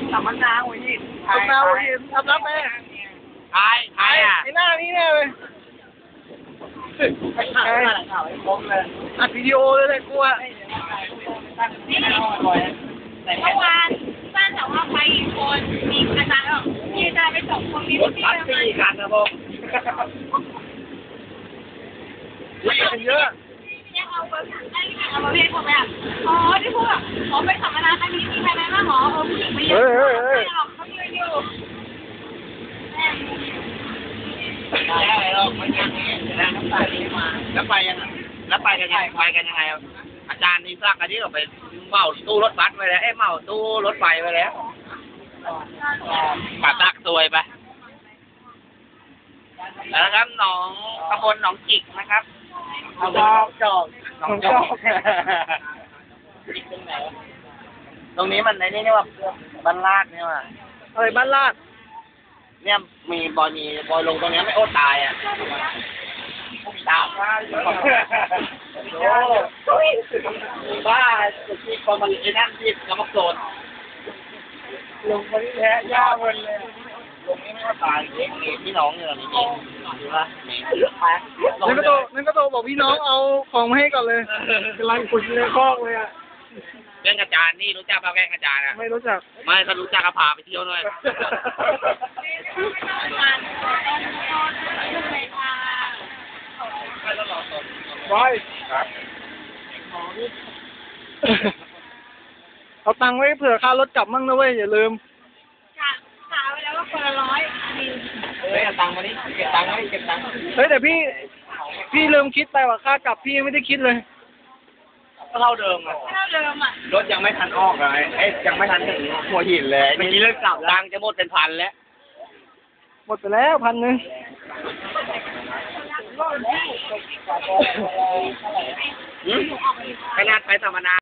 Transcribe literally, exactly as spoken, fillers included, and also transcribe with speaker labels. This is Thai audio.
Speaker 1: สัมมนาหัวหิน
Speaker 2: สัมมนาหัวหินทำรับไหม
Speaker 3: ใครใครอ่ะ
Speaker 2: ไอ้หน้านี่แน่เลย
Speaker 1: ไอ้ข่าวอะไรข่าวไอ้คมเลย
Speaker 2: อัดวิดีโอเลยเลยกลัว
Speaker 1: นี่เมื่อวานบ้านแต่ว่าไปอีกคนมีอาจารย์บอกมีอาจารย์ไปส่งคนมี
Speaker 3: รถ
Speaker 1: ที่
Speaker 3: บัส
Speaker 1: ทำไม
Speaker 3: สี่คันนะผม
Speaker 2: วิ่งกันเยอะ
Speaker 1: ยังเอาเบอร์ไอ้นี่เอาเบอร์เพจผมไปอ่ะอ๋อที่พูดอ่ะขอไปสัมมนาครั้งนี้มีใครไหมบ้างหรอเออผู้หญิงไม่เยอะไม่หรอกเขายืนอยู่
Speaker 3: ได้หรอกมันยังนี้แล้วไปมาแล้วไปยังแล้วไปกันยังไปกันยังไงอาจารย์นี่สร้างกันที่เราไปเมาตู้รถบัสไปแล้วเอ้เมาตู้รถไฟไปแล้วป่าตักซวยไปแล้วนะครับหนองตำบลหนองจิกนะครับ
Speaker 1: จอกจอก
Speaker 3: หนองจอกตรงนี้มันในนี่นี่ว่าบ้านลาดนี่ว่า
Speaker 2: เอ้ยบ้านลาด
Speaker 3: เนี่ยมีบอยมีบอยลงตรงนี้ไม่โอ้ตายอ่ะตามมาโอ้บ้าที่พอมันไอ้นั่นที่กำลังโซน
Speaker 2: ลงมาที่แท้ย่าเงินเลย
Speaker 3: ตรงนี้ไม่ว่าตายเองมีพี่น้องเนี่ยนี่เองดูนะนี่
Speaker 2: นั่นก็โตนั่นก็โตบอกพี่น้องเอาของมาให้ก่อนเลยกำลังขุดในคอกเลยอ่ะ
Speaker 3: เรื่องอาจารย์นี่รู้จักป่ะแกอาจารย์อ่ะ
Speaker 2: ไม่รู้จัก
Speaker 3: ไม่ถ้ารู้จักก็พาไปเที่ยวหน่อย
Speaker 2: บอยเอาตังค์ไว้เผื่อค่ารถกลับมั่งนะเว้ยอย่าลืม
Speaker 1: กะกะไว้แล้วว่าคนละร้อยมี
Speaker 3: เฮ้ยเอาตังค์มาดิเก็บตังค์ไว้เก็บตังค์
Speaker 2: เฮ้ยแต่พี่พี่ลืมคิดไปว่าค่ากลับพี่ยังไม่ได้คิดเลย
Speaker 3: ก็เท่าเดิมอ่ะ
Speaker 1: เท่าเดิมอ่ะ
Speaker 3: รถยังไม่ทันออกเลยเอ้ยยังไม่ทันถึงหัวหินเลยเมื่อกี้เริ่มกลับตังค์จะหมดเป็นพันแล้ว
Speaker 2: หมดไปแล้วพันหนึ่ง
Speaker 3: ขนาดไปสัมมนา